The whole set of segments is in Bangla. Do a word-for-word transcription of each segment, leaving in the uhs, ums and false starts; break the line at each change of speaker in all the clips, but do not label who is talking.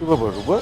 ব্যাপার রূপা,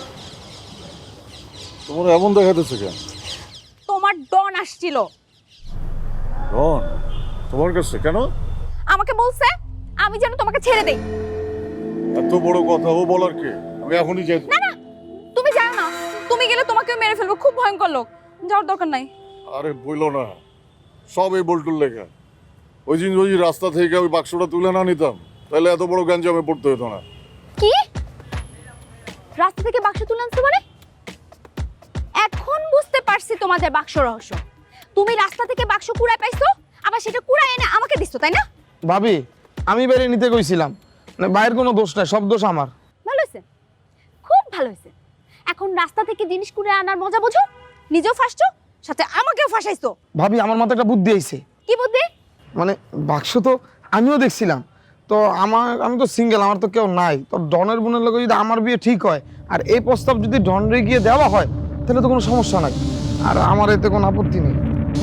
তোমার এমন দেখাতেছে কেন?
তোমার ডন আসছিল।
ডন তোমার কাছে কেন?
আমাকে বলছে আমি যেন তোমাকে ছেড়ে দেই।
এত বড় কথা ও বলার কে? আমি এখনই যাই।
না না, তুমি যাও না, তুমি গেলে তোমাকেও মেরে ফেলবো, খুব ভয়ঙ্কর লোক, যাওয়ার দরকার নাই।
আরে বইলো না, সব এই বল্টুর লেখা। ওই দিন ওই রাস্তা থেকে ওই বাক্সটা তুলে না নিতাম তাহলে এত বড় গ্যাঞ্জামে পড়তে হতো না।
কি রাস্তা থেকে বাক্স তুলে আনছো মানে? এখন বুঝতে পারছি তোমাদের বাক্স রহস্য। তুমি রাস্তা থেকে বাক্স কুড়ায় পাইছো, আবার সেটা কুড়ায় এনে আমাকে দিছো, তাই না?
ভাবি, আমি বেরিয়ে নিতে কইছিলাম, মানে বাইরের কোনো দোষ নাই, সব দোষ আমার।
ভালো হয়েছে, খুব ভালো হয়েছে। এখন রাস্তা থেকে জিনিস কুড়ায় আনার মজা বোঝো, নিজেও ফাঁসছো, সাথে আমাকেও ফাঁসাইছো।
ভাবি, আমার মাথায় একটা বুদ্ধি আইছে।
কি বুদ্ধি?
মানে বাক্স তো আমিও দেখছিলাম, তো আমার আমি তো সিঙ্গেল, আমার তো কেউ নাই। তো ডনের বোনের লোক যদি আমার বিয়ে ঠিক হয় আর এই প্রস্তাব যদি ডনরে গিয়ে দেওয়া হয় তাহলে তো কোনো সমস্যা নাই, আর আমার এতে কোনো আপত্তি নেই।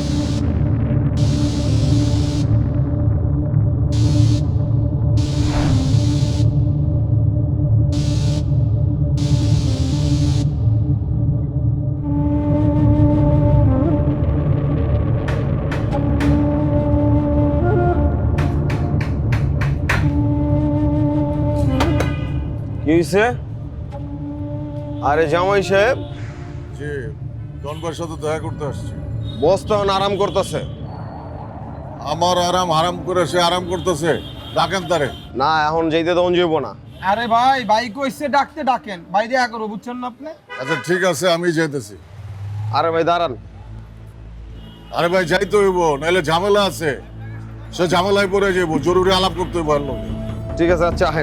কি হইছে? আরে জামাই সাহেব,
যে ডনবার সাথে দেখা করতে আসছি।
বস তো এখন আরাম করতেছে।
আমার আরাম হারাম করে সে আরাম করতেছে, ডাকেন তারে।
না, এখন যেতে তখন যাইব না।
আরে ভাই, ভাই কইছে ডাকতে ডাকেন, ভাই দেখা করো, বুঝছেন না আপনি?
আচ্ছা ঠিক আছে, আমি যেতেছি।
আরে ভাই দাঁড়ান।
আরে ভাই যাইতে হইব, নাহলে ঝামেলা আছে। সে ঝামেলায় পড়ে যাবো, জরুরি আলাপ করতে হইব। আর লোকে
ঠিক আছে, আচ্ছা আহেন।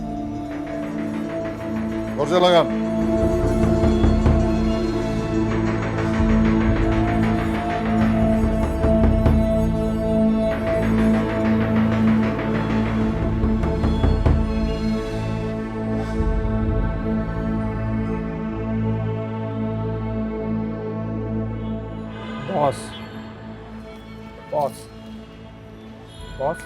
দরজা লাগান।
বস বস বস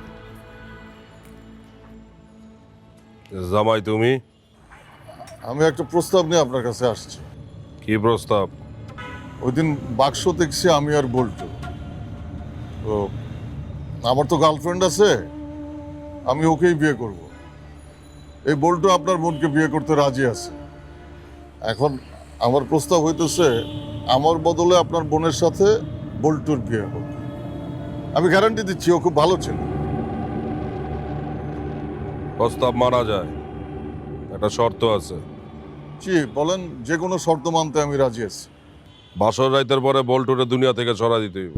জামাই তুমি?
আমি একটা প্রস্তাব নিয়ে আপনার কাছে আসছি।
কি প্রস্তাব?
ওই দিন বাক্স দেখছি আমি আর বল্টু। তো আমার তো গার্লফ্রেন্ড আছে, আমি ওকেই বিয়ে করব। এই বল্টু আপনার বোনকে বিয়ে করতে রাজি আছে। এখন আমার প্রস্তাব হইতেছে আমার বদলে আপনার বোনের সাথে বল্টুর বিয়ে হোক। আমি গ্যারান্টি দিচ্ছি ও খুব ভালো ছিল।
প্রস্তাব মানা যায়, একটা শর্ত আছে।
জি বলেন, যে কোনো শর্ত মানতে আমি রাজি আছি।
বাসর রাইতের পরে বল্টুরে দুনিয়া থেকে সরা দিতে হইব।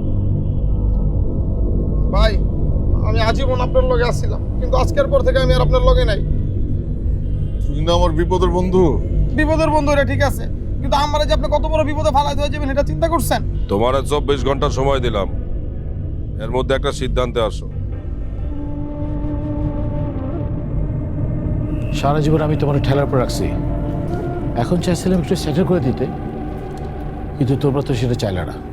ভাই, আমি আজীবন আপনার লগে আসছিলাম, কিন্তু আজকের পর থেকে আমি আর আপনার লগে নাই।
তুই না আমার বিপদের বন্ধু।
বিপদের বন্ধু, এটা ঠিক আছে, কিন্তু আমার যে আপনি কত বড় বিপদে ফালাই হয়ে যাবেন এটা চিন্তা করছেন?
তোমার চব্বিশ ঘন্টা সময় দিলাম, এর মধ্যে একটা সিদ্ধান্তে আসো।
সারা জীবন আমি তোমার ঠেলার পর রাখছি, এখন চাইছিলাম একটু সেটেল করে দিতে, কিন্তু তোমরা তো সেটা চাইলে না।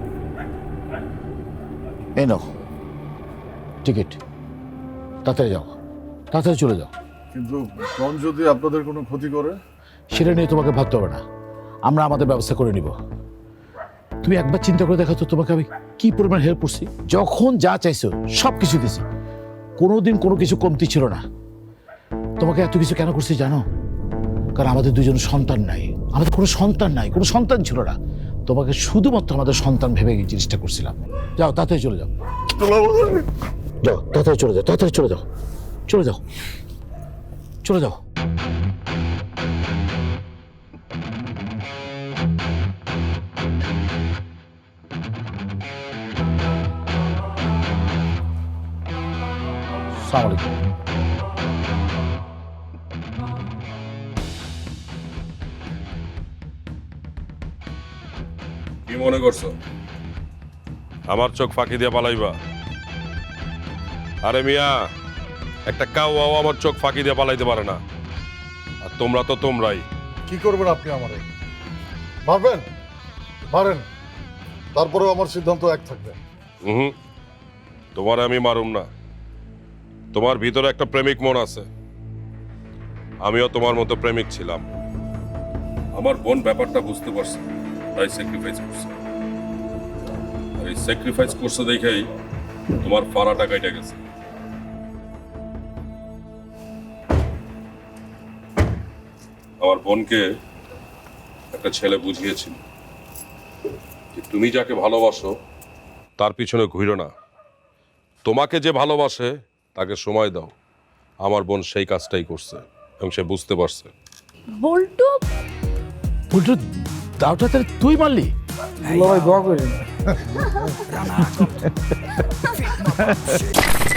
এই নাও টিকিট, তাড়াতাড়ি যাও, তাড়াতাড়ি চলে যাও।
কিন্তু ডন যদি আপনাদের কোনো ক্ষতি করে?
সেটা নিয়ে তোমাকে ভাবতে হবে না, আমরা আমাদের ব্যবস্থা করে নিব। তুমি একবার চিন্তা করে দেখো তো, তোমাকে আমি কি পরিমাণ হেল্প করছি। যখন যা চাইছো সব কিছু দিছি, কোনোদিন কোনো কিছু কমতি ছিল না। তোমাকে এত কিছু কেন করছি জানো? কারণ আমাদের দুজন সন্তান নাই, আমাদের কোনো সন্তান নাই, কোনো সন্তান ছিল না। তোমাকে শুধুমাত্র আমাদের সন্তান ভেবে এই জিনিসটা করছিলাম। যাও, তাড়াতাড়ি চলে যাও, যাও, তাড়াতাড়ি চলে যাও, তাড়াতাড়ি চলে যাও, চলে যাও, চলে যাও। আসসালামু আলাইকুম।
কি মনে করছো আমার চোখ ফাঁকি দিয়ে পালাইবা? আরে মিয়া, একটা কাউ আমার চোখ ফাঁকি দিয়ে পালাইতে পারে না, আর তোমরা তো তোমরাই।
কি করবেন আপনি আমারে? মারবেন? মারেন, তারপরেও আমার সিদ্ধান্ত এক থাকবে।
হুম, তোমার আমি মারুম না। তোমার ভিতরে একটা প্রেমিক মন আছে, আমিও তোমার মতো প্রেমিক ছিলাম। আমার বোন ব্যাপারটা বুঝতে পারছে, তাই স্যাক্রিফাইস করছে। আর এই স্যাক্রিফাইস করছে দেখেই তোমার ফাড়াটা কাইটা গেছে। আমার বোনকে একটা ছেলে বুঝিয়েছিল যে তুমি যাকে ভালোবাসো তার পিছনে ঘুরো না, তোমাকে যে ভালোবাসে তাকে সময় দাও। আমার বোন সেই কাজটাই করছে এবং সে বুঝতে পারছে।
বল্টু
বল্টু দাওটা তাহলে তুই মারলি?
দুলা ভাই দোয়া করেন।